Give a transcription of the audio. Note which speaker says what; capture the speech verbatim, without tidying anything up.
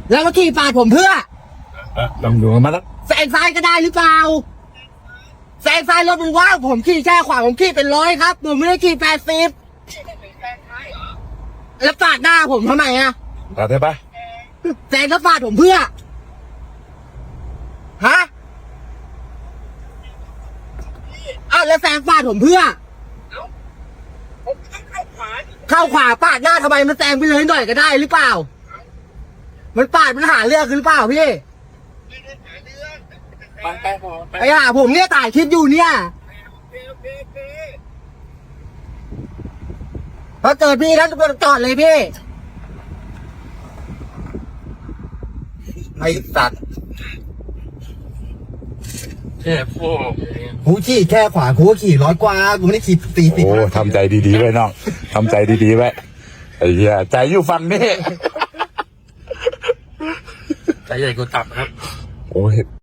Speaker 1: แล้วมาขี่ปาดผมเพื่อ
Speaker 2: ตำรวจมาแล้ว
Speaker 1: แซงซ้ายก็ได้หรือเปล่าแซงซ้ายรถมันว่างผมขี่แค่ขวาผมขี่เป็นร้อยครับผมไม่ได้ขี่แปดสิบแล้วปาดหน้าผมทำไมอะ
Speaker 2: ตัดได้ปะ
Speaker 1: แซงแล้วปาดผมเพื่อฮะอ้าวแล้วแซงปาดผมเพื่อเข้าขวาปาดหน้าทำไมมันแซงไปเลยหน่อยก็ได้หรือเปล่ามันปาดมันหาเรื่องหรือเปล่าพี่ไอ้ห่าผมเนี่ยถ่ายคลิปอยู่เนี่ยพอเจอพี่แล้วจอดเลยพี่ไอ้สัตว์
Speaker 2: แค่พวก
Speaker 1: กูขี่แค่ขวากูก็ขี่ร้อยกว่ากูไม่ได้ขี่สี่สิบ
Speaker 2: โอ้ทำใจดีๆไว้น้องทำใจดีๆไว้ไอ้เหี้ยใจอยู่ฝั่งนี้
Speaker 3: ใจใหญ่กูตับครับ
Speaker 2: โอ้ย